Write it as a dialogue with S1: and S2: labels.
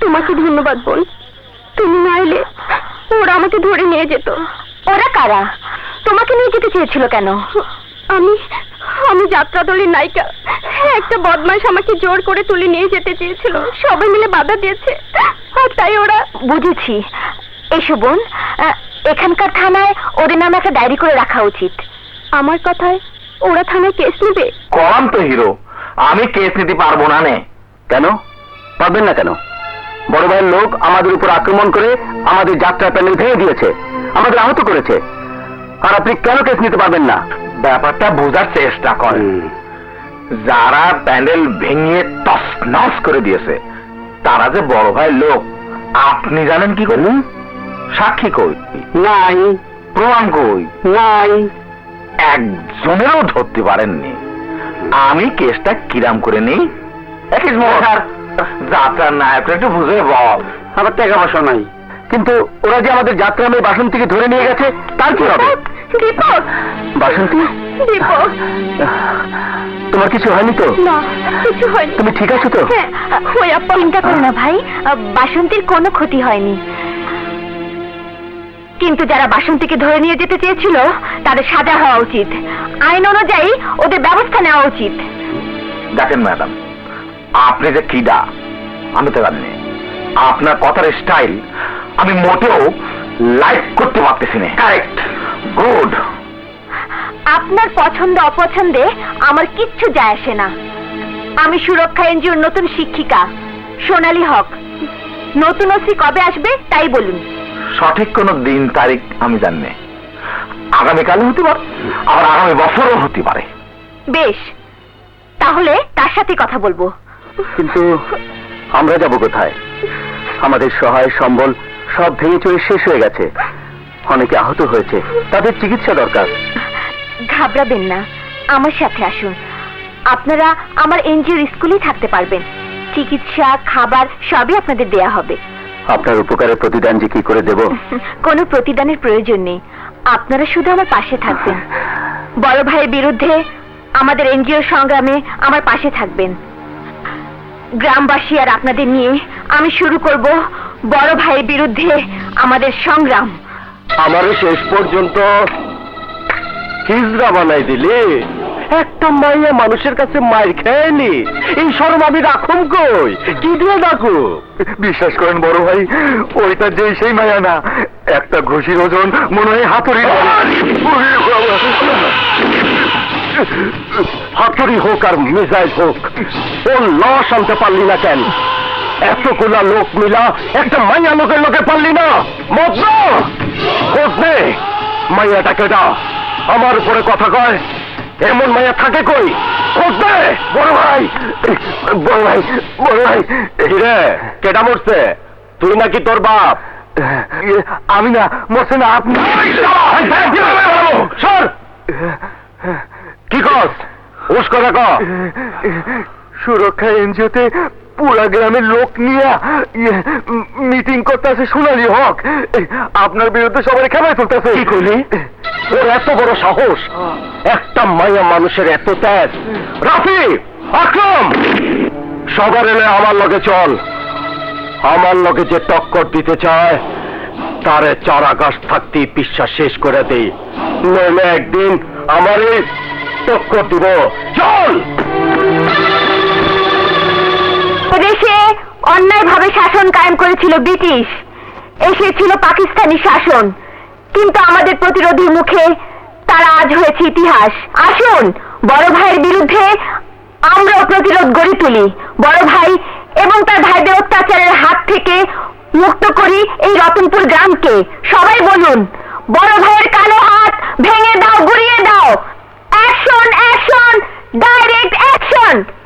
S1: তোমাকে ধন্যবাদ বোন, তুমি না এলে ওরা আমাকে ধরে নিয়ে যেত। ওরা কারা? তোমাকে নিয়ে যেতে চেয়েছিল কেন? আমি আমি যাত্রা দলের নায়িকা। একটা বদমাশ আমাকে জোর করে তুলে নিয়ে যেতে চেয়েছিল, সবাই মিলে বাধা দিয়েছে, আর তাই ওরা। বুঝেছি। এসো বোন, এখানকার থানায় ওদের নামে একটা ডায়েরি করে রাখা উচিত। আমার কথায় ওরা থানায় কেস নেবে?
S2: কম তো হিরো, আমি কেস নিতে পারবো না। নে কেন পারবেন না? কেন? বড় ভাইয়ের লোক আমাদের উপর আক্রমণ করে আমাদের যাত্রা প্যান্ডেল ভেঙে দিয়েছে, আমাদের আহত করেছে, আর আপনি কেন কেস নিতে পারবেন না? ব্যাপারটা বোঝার চেষ্টা করেন। যারা প্যান্ডেল ভেঙে তছনছ করে দিয়েছে তারা যে বড় ভাইয়ের লোক আপনি জানেন কি করুন? সাক্ষী কই? নাই। প্রমাণ কই? নাই। একজনেরও ধরতে পারেননি। আমি কেসটা কিরাম করে নেই। যাত্রার নায়ক একটু বুঝে বল। আমার টাকা পয়সা নাই, কিন্তু ওরা যে আমাদের যাত্রা মেয়ে বাসন্তীকে ধরে নিয়ে গেছে, তার কি হবে?
S1: দীপক!
S2: বাসন্তী,
S1: দীপক!
S2: তোমার কিছু হয়নি তো?
S1: না, কিছু হয়নি।
S2: তুমি ঠিক আছো তো?
S1: হ্যাঁ, ওই আপা। চিন্তা করো না ভাই, বাসন্তীর কোনো ক্ষতি হয়নি। কিন্তু যারা বাসন্তীকে ধরে নিয়ে যেতে চেয়েছিল তাদের সাজা হওয়া উচিত, আইন অনুযায়ী ওদের ব্যবস্থা নেওয়া উচিত।
S2: দেখেন ম্যাডাম, আপনি যে কিডা আমি তো জানি। আপনার কথার স্টাইল আমি মোটেও লাইক করতে পারতেছি না। Correct, good.
S1: আপনার পছন্দ অপছন্দে আমার কিচ্ছু যায় আসে না। আমি সুরক্ষা এনজিওর নতুন শিক্ষিকা সোনালী হক। নতুন ওসি কবে আসবে তাই বলুন।
S2: সঠিক কোন দিন তারিখ আমি জানি না। আগামীকালও হতে পারে, আবার আগামী বছরও হতে পারে।
S1: বেশ, তাহলে তার সাথে কথা বলবো।
S2: কিন্তু আমরা যাব কোথায়? আমাদের সহায় সম্বল সব ভেঙে চুরে শেষ হয়ে গেছে, অনেকে আহত হয়েছে, তাদের চিকিৎসা দরকার।
S1: ঘাবড়াবেন না, আমার সাথে আসুন। আপনারা আমার এনজিওর স্কুলেই থাকতে পারবেন। চিকিৎসা, খাবার সবই আপনাদের দেয়া হবে।
S2: আপনার উপকারের প্রতিদান যে কি করে দেব?
S1: কোনো প্রতিদানের প্রয়োজন নেই, আপনারা শুধু আমার পাশে থাকবেন। বড় ভাইয়ের বিরুদ্ধে আমাদের এনজিও সংগ্রামে আমার পাশে থাকবেন। গ্রামবাসী আর আপনাদের নিয়ে আমি শুরু করব বড় ভাইয়ের বিরুদ্ধে আমাদের সংগ্রাম।
S2: আমারে শেষ পর্যন্ত হিজড়া বানাই দিলে, একটা মাইয়া মানুষের কাছে মার খেয়নি, এই শরম আমি রাখুম কই? কি দিয়ে রাখো? বিশ্বাস করেন বড় ভাই, ওইটা যে সেই মায়া না, একটা ঘুষির ওজন মনে হয় হাতুড়ি। হাতুড়ি হোক আর মিসাইল হোক, ও লস আনতে পারলি না কেন? এতগুলা লোক মিলা একটা মাইয়া লোকের লোকে পারলি না? মজা মাইয়াটা কেটা আমার উপরে কথা কয়, এমন মাইয়া থাকে কই? খোঁজবে বড় ভাই, বড় ভাই, বড় ভাই। রে কেটা মরছে? তুই নাকি তোর বাপ? আমি না, মরছে না আপনি। সর! কি কস? উস কথা ক। সুরক্ষা এনজিওতে পুরা গ্রামের লোক নিয়ে মিটিং করতেছে সোনালী হক। আপনার বিরুদ্ধে সবাই খেলায় তুলতেছে। কি করলি? ওর এত বড় সাহস, একটা মাইয়া মানুষের এত ত্যাগ। রাফি, আকরম, সবার এলে আমার লগে চল। আমার লগে যে টক্কর দিতে চায় তারে চার আকাশ থাকতেই বিশ্বাস শেষ করে দেই, নইলে একদিন আমারই টক্কর দিব। চল!
S1: দেশে অন্যায়ভাবে শাসন কায়েম করেছিল ব্রিটিশ, এসেছিল পাকিস্তানি শাসন, কিন্তু আমাদের প্রতিরোধীর মুখে তারা আজ হয়েছে ইতিহাস। আসুন বড় ভাইয়ের বিরুদ্ধে আমরাও প্রতিরোধ গড়ে তুলি। বড় ভাই এবং তার ভাইদের অত্যাচারের হাত থেকে মুক্ত করি এই রতনপুর গ্রামকে। সবাই বলুন, বড় ভাইয়ের কালো হাত ভেঙে দাও, গুড়িয়ে দাও। Action, action, direct action.